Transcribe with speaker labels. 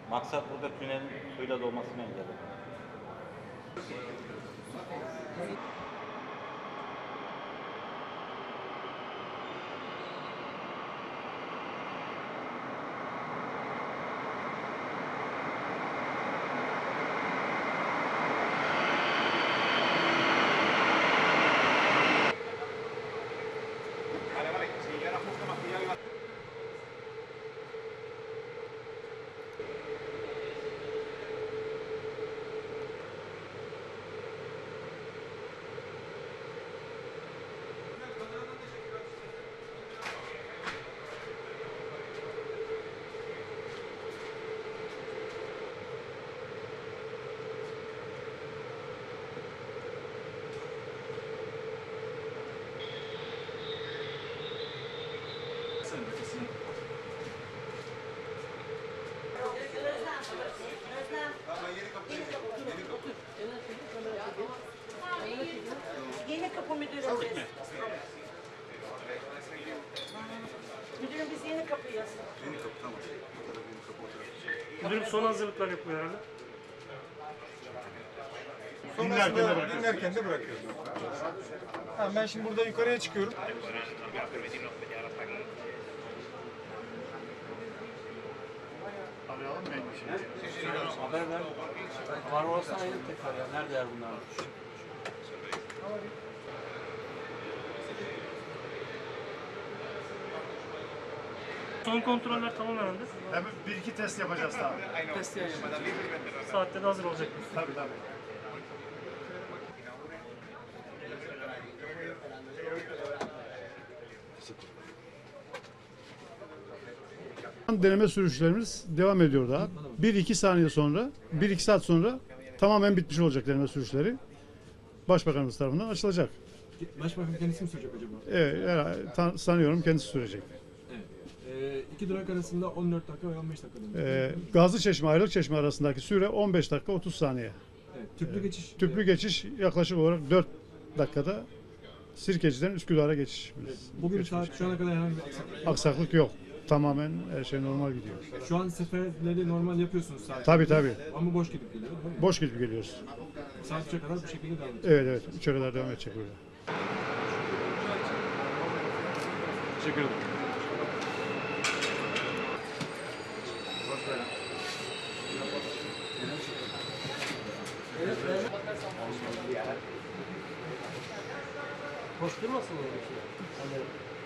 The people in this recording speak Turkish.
Speaker 1: Maksat burada tünelin suyla dolmasını engellemek.
Speaker 2: Yeni kapı müdürüm biz. Müdürüm biz yeni kapıyız.
Speaker 3: Yeni kapı tamam. Yeni kapı oturur.
Speaker 4: Müdürüm son hazırlıklar yapıyor herhalde.
Speaker 5: Dinlerken de bırakıyoruz. Ha, ben şimdi burada yukarıya çıkıyorum.
Speaker 6: Haber ver. Var olsa ayrı tekrar ya. Nerede yer bunlar?
Speaker 4: Son kontroller tamam herhalde.
Speaker 5: Hemen bir iki test yapacağız daha.
Speaker 6: Test yayınlamak.
Speaker 4: Saatte de hazır olacak.
Speaker 5: Tabii tabii.
Speaker 7: Deneme sürüşlerimiz devam ediyor daha. 1-2 saniye sonra, 1-2 saat sonra tamamen bitmiş olacak deneme sürüşleri. Başbakanımız tarafından açılacak.
Speaker 8: Başbakan kendisi mi sürecek acaba?
Speaker 7: Evet, sanıyorum kendisi sürecek.
Speaker 8: Evet. İki durak arasında 14 dakika ve 15 dakika demiş.
Speaker 7: Gazlıçeşme, Aylıkçeşme arasındaki süre 15 dakika 30 saniye.
Speaker 8: Evet. Tüplü geçiş.
Speaker 7: Tüplü geçiş yaklaşık olarak 4 dakikada Sirkeci'den Üsküdar'a geçiş.
Speaker 8: Bugün saat şu ana kadar herhangi bir aksaklık yok.
Speaker 7: Aksaklık yok. Tamamen her şey normal gidiyor.
Speaker 8: Şu an seferleri normal yapıyorsunuz sadece.
Speaker 7: Tabii.
Speaker 8: Ama boş gidip geliyor değil mi?
Speaker 7: Boş gidip geliyoruz.
Speaker 8: Saat 3'e kadar bu şekilde devam edecek.
Speaker 7: Evet. 3'e kadar devam edecek böyle.
Speaker 8: Teşekkür ederim.
Speaker 6: Koşturmasın öyle bir şey. Hani